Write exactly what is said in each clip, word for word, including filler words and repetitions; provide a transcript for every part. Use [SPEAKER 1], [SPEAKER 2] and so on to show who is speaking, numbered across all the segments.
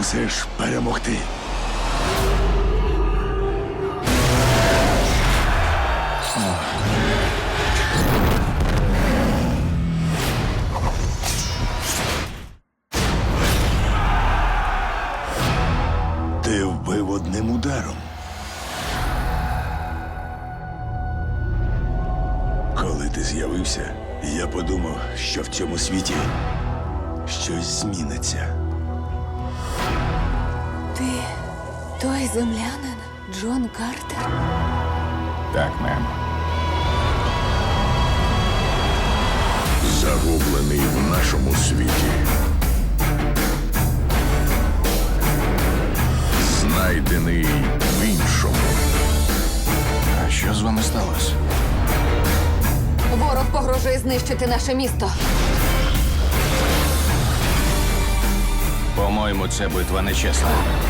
[SPEAKER 1] мусиш перемогти. Ти вбив одним ударом. Коли ти з'явився, я подумав, що в цьому світі щось зміниться.
[SPEAKER 2] Ти той землянин Джон Картер?
[SPEAKER 1] Так, мем.
[SPEAKER 3] Загублений в нашому світі. Знайдений в іншому.
[SPEAKER 1] А що з вами сталося?
[SPEAKER 2] Ворог погрожує знищити наше місто.
[SPEAKER 4] По-моєму, це битва нечесна.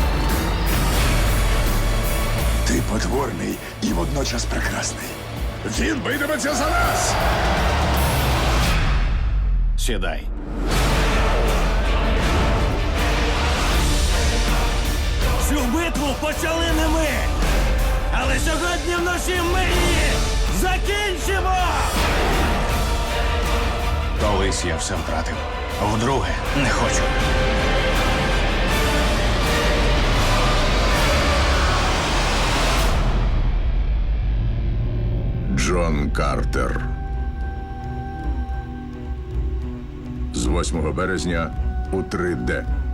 [SPEAKER 1] Ти потворний і водночас прекрасний. Він битиметься за нас!
[SPEAKER 4] Сідай.
[SPEAKER 5] Цю битву почали не ми. Але сьогодні вночі ми її закінчимо!
[SPEAKER 4] Колись я все втратив. Вдруге не хочу.
[SPEAKER 3] Джон Картер. З восьмого березня у три де.